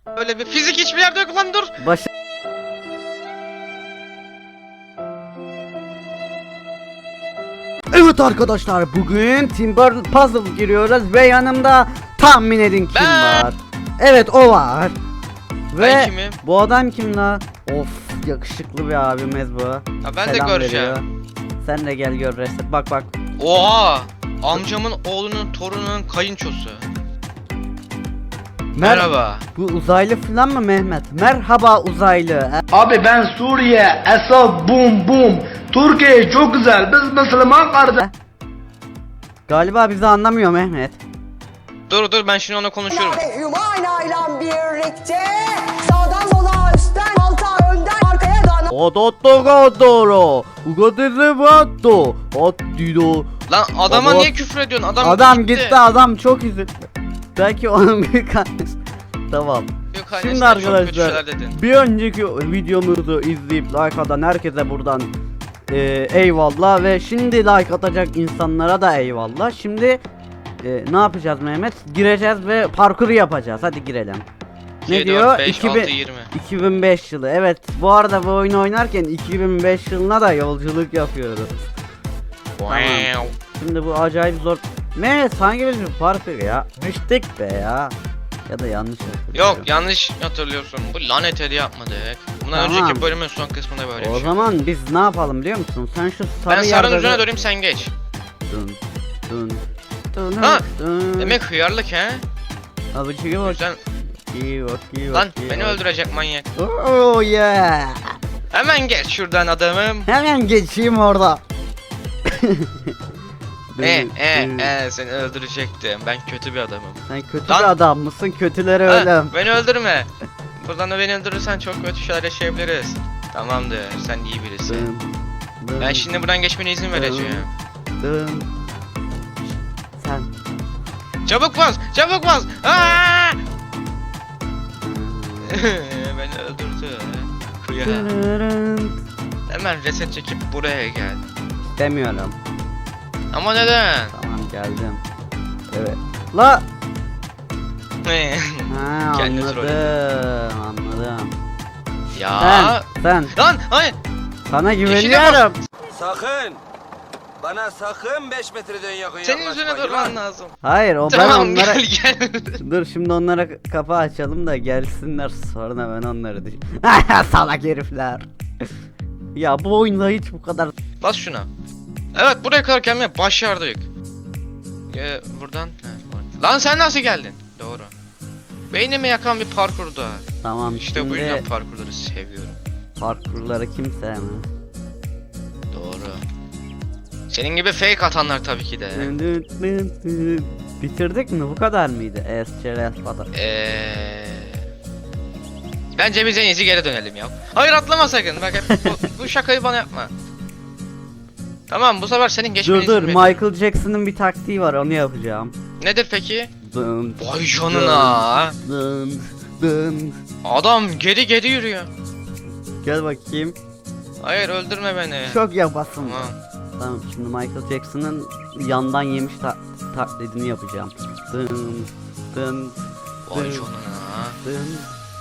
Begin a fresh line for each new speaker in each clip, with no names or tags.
Öyle bir fizik hiçbir yerde yok lan, dur.
Evet arkadaşlar, bugün Timber Puzzle giriyoruz ve yanımda tahmin edin kim
Ben.
var? Evet, o var. Ve
Ben kimim?
bu adam kim la? Of, yakışıklı bir abimiz bu.
Ha, ben de
Selam
göreceğim.
veriyor. Sen de gel gör resim. Bak bak.
Oha! Amcamın oğlunun torununun kayınçosu. Merhaba.
Bu uzaylı falan mı Mehmet? Merhaba uzaylı.
Abi ben Suriye, Esad, bum bum. Türkiye çok güzel, biz Müslüman kardeş.
Galiba bizi anlamıyor Mehmet.
Dur ben şimdi onunla konuşuyorum.
Hümayna ile birlikte sağdan sola üstten alta önden arkaya dana.
Odotogodoro. Ugodizvato. Otdido.
Lan adama
Baba-
niye küfür ediyorsun?
Adam gitti, adam çok üzüldü. Belki onun bir annesi. Tamam.
Yok,
Şimdi
annesinden çok kötü
arkadaşlar,
şeyler dedin.
bir önceki videomuzu izleyip like atan herkese buradan eyvallah ve şimdi like atacak insanlara da eyvallah. Şimdi ne yapacağız Mehmet? Gireceğiz ve parkuru yapacağız. Hadi girelim. Ne
7,
diyor?
5, 6, 20.
2005 yılı. Evet, bu arada bu oyunu oynarken 2005 yılına da yolculuk yapıyoruz.
Wow.
Şimdi bu acayip zor. Mehmet sanki biz bir parkur ya. Müştek be ya. Ya da yanlış hatırlıyorum.
Yok, yanlış hatırlıyorsun. Bu lanet hediye yapmadık. Bundan
Tamam.
önceki bölümün son kısmında böyle bir
O
şey.
zaman biz ne yapalım biliyor musun? Sen şu sarı
Ben sarının
yerde-
üzerine döneyim, sen geç.
Dın dın dın
Ha,
dın.
Demek hıyarlık he?
Abi çıkıyor bak.
Güzel.
İyi bak, iyi bak,
Lan
iyi
beni
bak.
öldürecek manyak.
Oh yeah.
Hemen geç şuradan adamım.
Hemen geçeyim orada.
Seni öldürecektim. Ben kötü bir adamım.
Sen kötü
Lan.
bir adam mısın? Kötüleri
Ha,
ölüm.
beni öldürme. Buradan da beni öldürürsen çok kötü şeyler yaşayabiliriz. Tamamdır, sen iyi birisin.
Dın, dın,
Ben şimdi buradan geçmene izin vereceğim.
dın. Sen.
Çabuk bas, çabuk bas. Aa! Beni öldürdü. Kıya.
Dırırın.
Hemen reset çekip buraya gel.
Demiyorum.
Ama neden?
Tamam, geldim. Evet. La. Ha,
Kendi
anladım.
Ya.
Sen.
Lan hayır.
Sana
Yeşile
güveniyorum.
Sakın! Bana sakın 5 metreden yakın
Senin
yaklaşma,
üzerine
yılan.
durman lazım.
Hayır, o ben
Tamam,
onlara...
gel.
Dur şimdi onlara kapı açalım da gelsinler, sonra ben onları düş... Salak herifler. Ya bu oyunda hiç bu kadar...
Bas şuna. Evet, buraya kadar gelmeye başardık. Buradan. Lan sen nasıl geldin? Doğru. Beynimi yakan bir parkurda.
Tamam,
İşte bu
şimdi
yüzden parkurları seviyorum.
parkurları kim sevmez?
Doğru. Senin gibi fake atanlar tabii ki de.
Bitirdik mi? Bu kadar mıydı? Esçeres falan.
Bence biz en iyisi geri dönelim ya. Hayır, atlama sakın. Bak hep bu şakayı bana yapma. Tamam, bu sefer senin geçmeni
Dur
izin veriyorum.
Michael Jackson'ın bir taktiği var, onu yapacağım.
Nedir peki?
Dın,
Vay canına.
dın, dın.
Adam geri yürüyor.
Gel bakayım.
Hayır, öldürme beni.
Çok yapasın.
Tamam.
Tamam, şimdi Michael Jackson'ın yandan yemiş taklidini yapacağım. Dın dın
Vay
dın,
canına.
dın.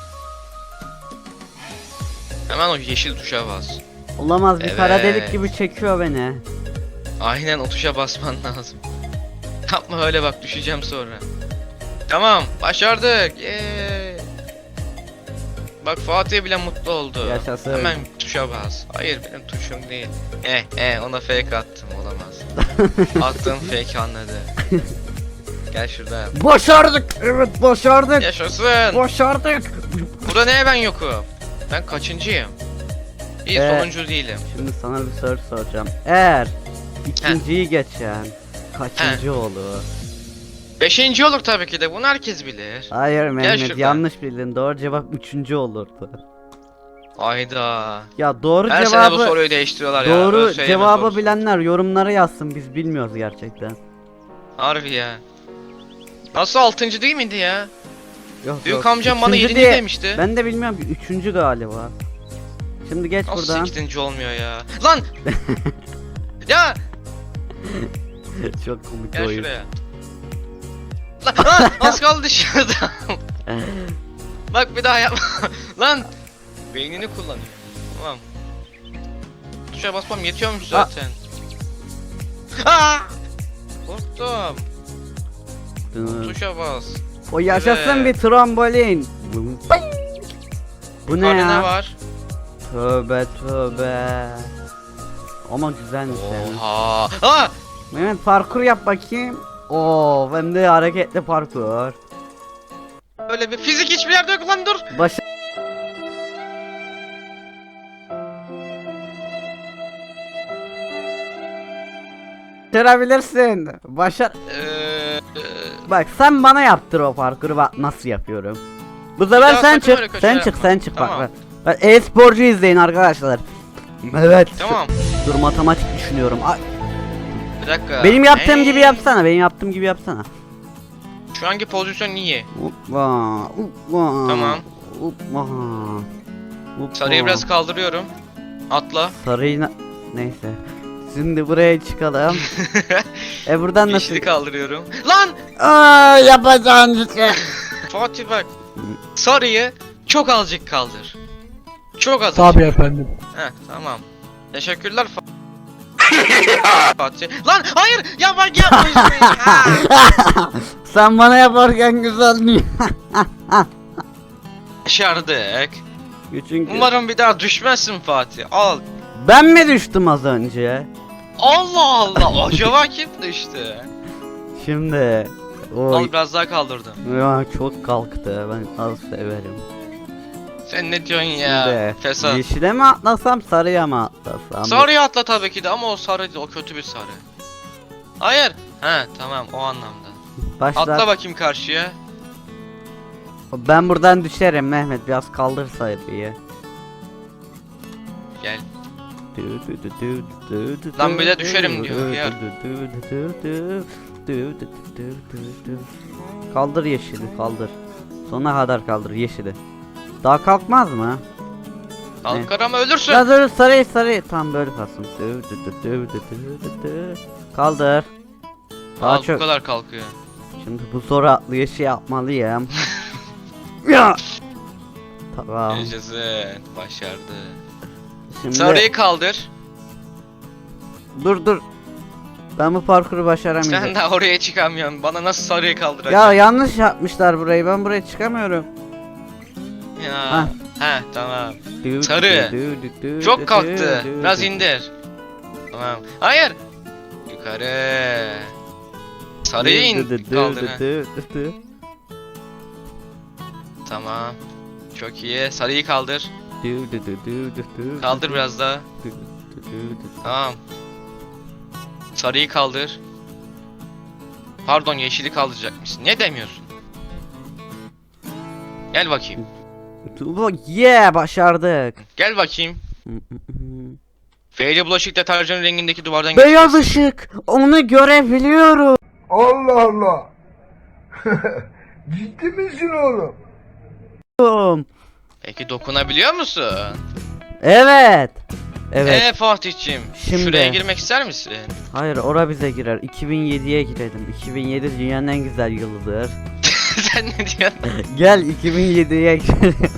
Hemen o yeşil tuşa bas.
Olamaz, bir kara delik
Evet.
gibi çekiyor beni.
Aynen, o tuşa basman lazım. Yapma öyle, bak düşeceğim sonra. Tamam, başardık. Yeee. Bak Fatih bile mutlu oldu.
Yaşasın.
Hemen tuşa bas. Hayır, benim tuşum değil. Ona fake attım, olamaz. Attığım fake anladı. Gel şurada.
Başardık. Evet, başardık.
Yaşasın.
Başardık.
Burada neye ben yokum? Ben kaçıncıyım? İyi, sonuncu değilim.
Şimdi sana bir soru soracağım. Eğer ikinciyi geçen kaçıncı olur?
5. olur tabii ki de, bunu herkes bilir.
Hayır Mehmet,
şuradan.
yanlış bildin. Doğru cevap 3. olurdu.
Ayda.
Ya doğru
Her sene bu
cevabı
soruyu değiştiriyorlar ya.
doğru
ÖSYM
cevabı
sorusu.
bilenler yorumlara yazsın. Biz bilmiyoruz gerçekten.
Harbi ya. Nasıl 6. değil miydi ya?
Yok,
Büyük
yok.
amcam bana
3.
7. demişti.
Ben de bilmiyorum ki 3. galiba. Şimdi geç
Nasıl
buradan.
8. olmuyor ya? Lan! Ya!
Çok komik
Gel
oyun.
şuraya. Lan! Az kaldı dışarıda. Bak bir daha yapma. Lan. Beynini kullanıyor. Tamam. Tuşa basmam yetiyormuş zaten. Aa! Korktum. Tuşa bas.
O yaşasın
Evet.
bir trambolin. Bu ne
Yukarıda
ya?
ne var?
Tövbe tövbe. Ama güzelmiş yani.
Oha. Aa!
Mehmet parkur yap bakayım. Oo, hem de hareketli parkur.
Öyle bir fizik hiçbir yerde yok lan, dur.
Baş Başarabilirsin. Başar. Bak sen bana yaptır o parkuru, bak nasıl yapıyorum. Bu sefer
daha
sen
sakın öyle
çık,
kötü
sen
yapma.
çık, sen çık
Tamam.
bak. Bak e-sporcu izleyin arkadaşlar. Evet.
Tamam.
Dur matematik düşünüyorum. Ay,
Bir dakika.
benim yaptığım gibi yapsana, benim yaptığım gibi yapsana.
Şu anki pozisyon iyi.
Hoppa, hoppa.
Tamam.
Hoppa. Hoppa.
Sarıyı biraz kaldırıyorum. Atla.
Sarıyı neyse. Şimdi buraya çıkalım. Buradan nasıl?
Yeşili kaldırıyorum. Lan!
Aa, yapacağın şey.
Fatih bak. Sarıyı çok azıcık kaldır. Çok azıcık.
Tabii efendim.
Heh, tamam. Teşekkürler Fatih. Lan hayır! Ya bak yapma işte. Ha!
Sen bana yaparken güzel mi?
Başardık.
Çünkü
Umarım bir daha düşmezsin Fatih. Al.
ben mi düştüm az önce?
Allah Allah. Acaba kim düştü?
Şimdi
Al
oy
biraz daha kaldırdım.
ya çok kalktı, ben az severim.
Sen ne diyorsun ya?
Şimdi
Fesat.
yeşile mi atlasam sarıya mı atlasam?
Sarıyı atla tabii ki de ama o sarı o kötü bir sarı. Hayır. He tamam o anlamda.
Başla.
Atla bakayım karşıya.
Ben buradan düşerim Mehmet, biraz kaldır sarıyı.
Gel. Lan bir de düşerim diyor, yer.
Kaldır yeşili, kaldır. Sonuna kadar kaldır yeşili. Daha kalkmaz mı?
Kalkar ama ölürsün.
Ya dur, sarıyı tam böyle kalsın. Kaldır. Daha
Al bu
çok.
kadar kalkıyor.
Şimdi bu soru atlayışı yapmalıyım. Ya. Tamam.
Yaşasın. Başardı.
Şimdi
Sarıyı kaldır.
dur. Ben bu parkuru başaramayacağım.
Sen daha oraya çıkamıyorsun. Bana nasıl sarıyı
Ya
kaldıracaksın?
yanlış yapmışlar burayı. Ben buraya çıkamıyorum.
Ya.
Hah.
He tamam. Sarı. Çok kalktı. Biraz indir. Tamam. Hayır. Yukarı. Sarıyı kaldır. Ha. Tamam. Çok iyi. Sarıyı kaldır. Kaldır biraz daha. Tamam. Sarıyı kaldır. Pardon yeşili kaldıracakmışsın. Ne demiyorsun? Gel bakayım.
Yeah, başardık.
Gel bakayım. Feyli bulaşık deterjanı rengindeki duvardan
Beyaz
geçeceksin.
ışık. Onu görebiliyorum.
Allah Allah. Ciddi misin oğlum?
Peki dokunabiliyor musun?
Evet. Evet.
Fatih'cim.
Şimdi.
Şuraya girmek ister misin?
Hayır, ora bize girer. 2007'ye girelim. 2007 dünyanın en güzel yılıdır.
Sen ne diyorsun?
Gel 2007'ye girelim.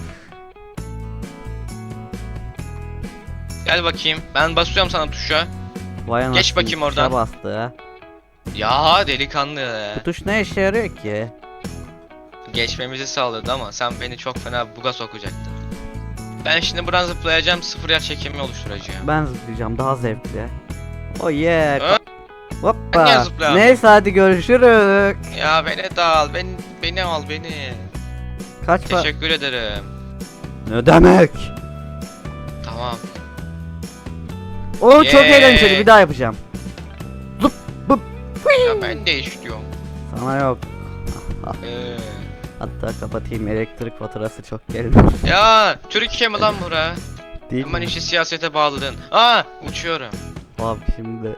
Gel bakayım. Ben basıyorum sana tuşa.
Vay anasını,
Geç bakayım
tuşa
oradan.
bastı.
Ya delikanlı.
Bu tuş ne işe yarıyor ki?
Geçmemizi sağladı ama sen beni çok fena buga sokacaktın. Ben şimdi buradan zıplayacağım, sıfır yer çekimi oluşturacağım.
Ben zıplayacağım, daha zevkli. Oh yeah.
Ha? Ben niye
Hoppa.
zıplayamıyorum?
Neyse hadi görüşürüz.
Ya beni de al, beni al beni.
Kaç para?
Teşekkür ederim.
Ne demek?
Tamam.
O çok
Yeah.
eğlenceli, bir daha yapacağım. Zıp bıp.
Ya ben de istiyorum.
Sana yok.
Ee,
Hatta kapatayım, elektrik faturası çok gelmez.
ya Türkiye mi lan bura?
Değil
Hemen
mi?
işi siyasete bağladın. Aa uçuyorum.
Abi şimdi.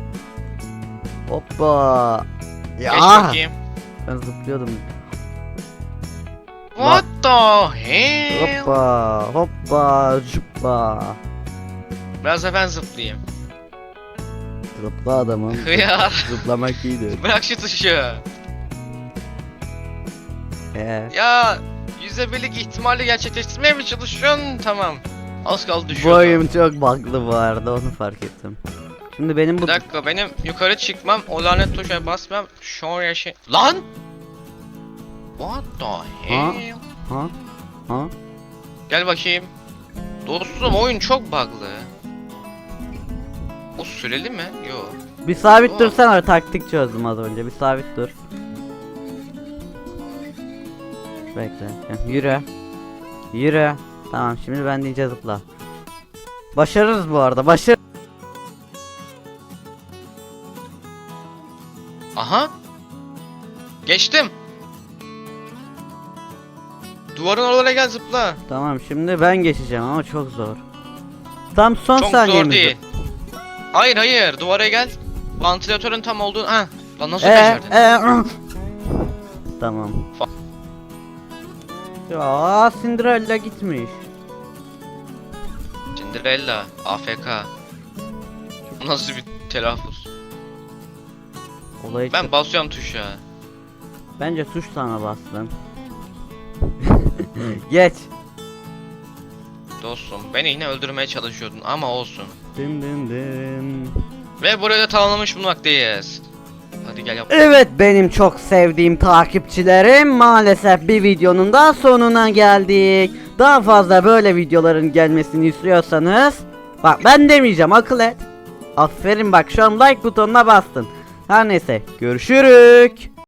Hoppa. Ya.
Geç bakayım.
Ben zıplıyordum.
What the hell?
Hoppa. Hoppa. Zıpla.
Biraz da ben zıplayayım.
Zıpla adamım.
Hıyar.
Zıplamak iyidir.
Bırak şu tuşu.
He.
Ya %1'lik ihtimali gerçekleştirmeye mi çalışıyorsun? Tamam. Az kaldı
Bu
düşüyordu.
oyun çok bug'lı bu arada, onu fark ettim. Şimdi benim bu...
Bir dakika, benim yukarı çıkmam, o lanet tuşa basmam, şuraya şey... Lan! What the hell?
Ha? Ha?
Gel bakayım. Dostum, oyun çok bug'lı. O süreli mi? Yok.
Bir sabit
Aa.
dursana, taktik çözdüm az önce. Bir sabit dur. Bekle. Yürü. Yürü. Tamam, şimdi ben diyece zıpla. Başarırız bu arada.
Aha! Geçtim! Duvarın oralara gel, zıpla.
Tamam, şimdi ben geçeceğim ama çok zor. Tam son
Çok
saniyemiz.
zor değil. Hayır, duvara gel. Vantilatörün tam olduğunu... Ha! Lan nasıl becerdin?
Tamam. Ya Cinderella gitmiş.
Cinderella, AFK. Bu nasıl bir telaffuz?
Olayı
Ben basıyorum tuşa.
Bence tuş sana bastın. Geç.
Dostum, beni yine öldürmeye çalışıyordun ama olsun.
Dın dın dın.
Ve burayı da tamamlamış bulmaktayız. Hadi gel yap.
Evet, benim çok sevdiğim takipçilerim, maalesef bir videonun da sonuna geldik. Daha fazla böyle videoların gelmesini istiyorsanız, bak ben demeyeceğim, akıl et. Aferin, bak şu an like butonuna bastın. Her neyse, görüşürük.